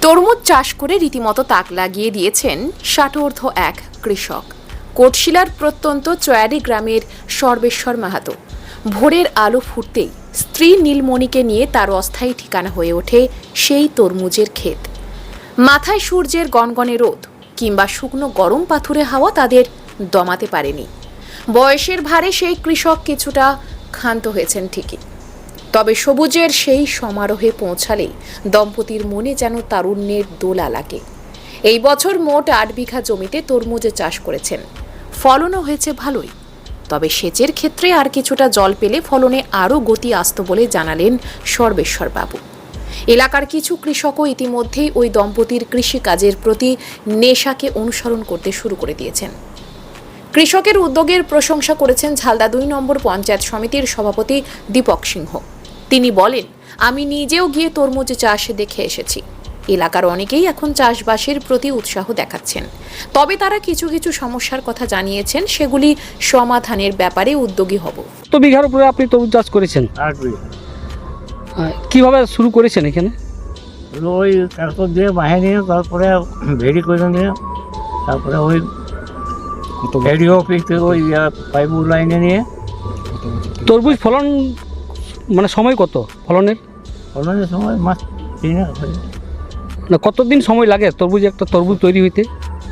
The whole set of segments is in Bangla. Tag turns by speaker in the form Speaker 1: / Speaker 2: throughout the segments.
Speaker 1: তরমুজ চাষ করে রীতিমতো তাক লাগিয়ে দিয়েছেন ষাটোর্ধ্ব এক কৃষক। কোটশিলার প্রত্যন্ত চয়ারি গ্রামের সর্বেশ্বর মাহাতো ভোরের আলো ফুটতেই স্ত্রী নীলমণিকে নিয়ে তার অস্থায়ী ঠিকানা হয়ে ওঠে সেই তরমুজের ক্ষেত। মাথায় সূর্যের গনগনে রোদ কিংবা শুকনো গরম পাথুরে হাওয়া তাদের দমাতে পারেনি। বয়সের ভারে সেই কৃষক কিছুটা ক্ষান্ত হয়েছেন ঠিকই, তবে সবুজের সেই সমারোহে পৌঁছালেই দম্পতির মনে যেন তারুণ্যের দোলা লাগে। এই বছর মোট ৮ বিঘা জমিতে তরমুজ চাষ করেছেন। ফলনও হয়েছে ভালোই, তবে সেচের ক্ষেত্রে আর কিছুটা জল পেলে ফলনে আরও গতি আসত বলে জানালেন সর্বেশ্বর বাবু। এলাকার কিছু কৃষকও ইতিমধ্যেই ওই দম্পতির কৃষিকাজের প্রতি নেশাকে অনুসরণ করতে শুরু করে দিয়েছেন। কৃষকের উদ্যোগের প্রশংসা করেছেন ঝালদা ২ নম্বর পঞ্চায়েত সমিতির সভাপতি দীপক সিংহ। তিনি বলেন, আমি নিজেও গিয়ে তরমুজ চাষ দেখে এসেছি। এলাকার অনেকেই এখন চাষবাসের প্রতি উৎসাহ দেখাচ্ছেন, তবে তারা কিছু কিছু সমস্যার কথা জানিয়েছেন, সেগুলি সমাধানের ব্যাপারে উদ্যোগী হব।
Speaker 2: কত বিঘার উপরে আপনি তরমুজ চাষ করেছেন?
Speaker 3: 8 বিঘা।
Speaker 2: কিভাবে শুরু করেছেন এখানে?
Speaker 3: ওই ট্রাক্টর দিয়ে বাহে নিয়ে তারপরে ভেড়ি করে নিয়ে তারপরে ওই রেডিও অফিস থেকে ওই পাইপ লাইনে নিয়ে।
Speaker 2: তরমুজ ফলন মানে সময় কত ফলনের?
Speaker 3: ফলনের সময় মাস 3
Speaker 2: না, কতদিন সময় লাগে তরমুজ একটা তরমুজ তৈরি হইতে?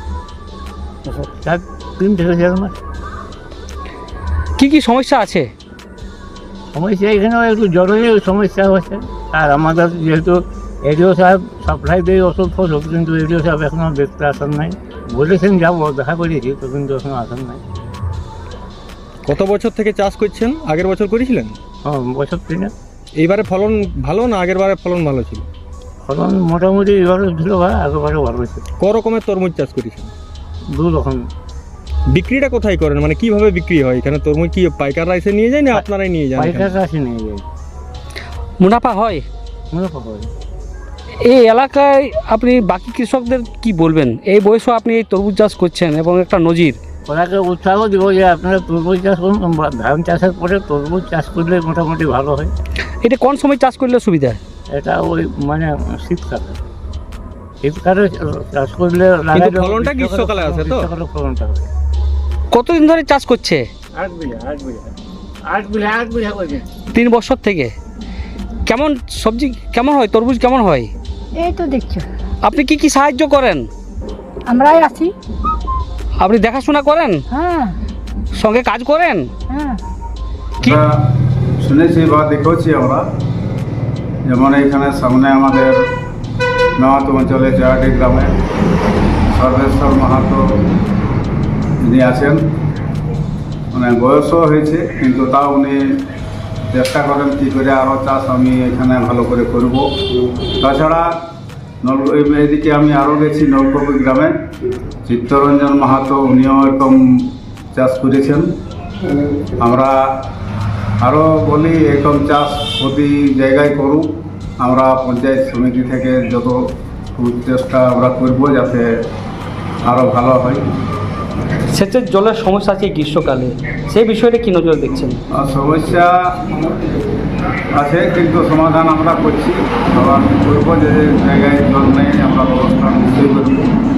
Speaker 3: 3 থেকে 4 মাস।
Speaker 2: কি কি সমস্যা আছে?
Speaker 3: সমস্যা এখানেও একটু জলের সমস্যা হচ্ছে। আর আমাদের যেহেতু এডিও সাহেব সাপ্লাই দিয়ে ওষুধ ফসল, কিন্তু এডিও সাহেব এখনও দেখতে আসার নাই। বলেছেন যাবো, দেখা করেছি তো, কিন্তু এখনও আসার নাই।
Speaker 4: কত বছর থেকে চাষ করছেন? আগের বছর করেছিলেন?
Speaker 3: হ্যাঁ, বছর 3।
Speaker 4: এইবারে ফলন ভালো না আগের বারে ফলন ভালো ছিল?
Speaker 3: ফলন মোটামুটি এবারে ছিল ভাই, আগেবারে ভালো হয়েছে।
Speaker 4: ক রকমের তরমুজ চাষ করেছেন?
Speaker 3: 2 রকম।
Speaker 4: বিক্রিটা কোথায় করেন, মানে কিভাবে বিক্রি হয় এখানে? তরমুজ কি পাইকাররা এসে নিয়ে যায় না আপনারাই নিয়ে যান?
Speaker 3: পাইকাররা আসে নিয়ে যায়।
Speaker 2: মুনাফা হয়?
Speaker 3: মুনাফা হয়।
Speaker 2: এই এলাকায় আপনি বাকি কৃষকদের কি বলবেন? এই বয়সেও আপনি এই তরমুজ চাষ করছেন এবং একটা নজির।
Speaker 3: ওনাকে উৎসাহ দিব যে আপনারা তরমুজ চাষ করুন। ধান চাষের পরে তরমুজ চাষ করলে মোটামুটি ভালো হয়।
Speaker 2: এটা কোন সময় চাষ করলে সুবিধা?
Speaker 3: এটা ওই মানে শীতকালে চাষ করলে
Speaker 4: কিন্তু ফলনটা গ্রীষ্মকালে আসে তো?
Speaker 3: ফলনটা হয়।
Speaker 2: কতদিন ধরে চাষ করছে?
Speaker 3: 8 বিঘা করে।
Speaker 2: 3 বছর থেকে। কেমন সবজি কেমন হয়, তরমুজ কেমন হয়?
Speaker 5: এই তো দেখছো,
Speaker 2: আপনি কি কি সাহায্য করেন?
Speaker 5: আমরাই আছি।
Speaker 2: আপনি দেখাশোনা করেন,
Speaker 5: হ্যাঁ
Speaker 2: সঙ্গে কাজ করেন?
Speaker 5: হ্যাঁ।
Speaker 2: কি
Speaker 6: শুনেছি বা দেখেছি আমরা, যেমন এখানে সামনে আমাদের মাহাতো অঞ্চলে চয়াটি গ্রামে সর্বেশ্বর মাহাতো যিনি আছেন, মানে বয়সও হয়েছে, কিন্তু তাও উনি চেষ্টা করেন কী করে আরও চাষ আমি এখানে ভালো করে করব। তাছাড়া এদিকে আমি আরও গেছি নলকপি গ্রামে, চিত্তরঞ্জন মাহাতো, উনিও এরকম চাষ করেছেন। আমরা আরও বলি এরকম চাষ প্রতি জায়গায় করুক। আমরা পঞ্চায়েত সমিতি থেকে যত চেষ্টা আমরা করব যাতে আরও ভালো হয়।
Speaker 2: সেচের জলের সমস্যা আছে গ্রীষ্মকালে, সেই বিষয়টা কি নজর দেখছেন?
Speaker 6: সমস্যা আছে, কিন্তু সমাধান আমরা করছি। আবার করবো যে জায়গায় জল নেই আমরা ব্যবস্থা নিশ্চয়ই করব।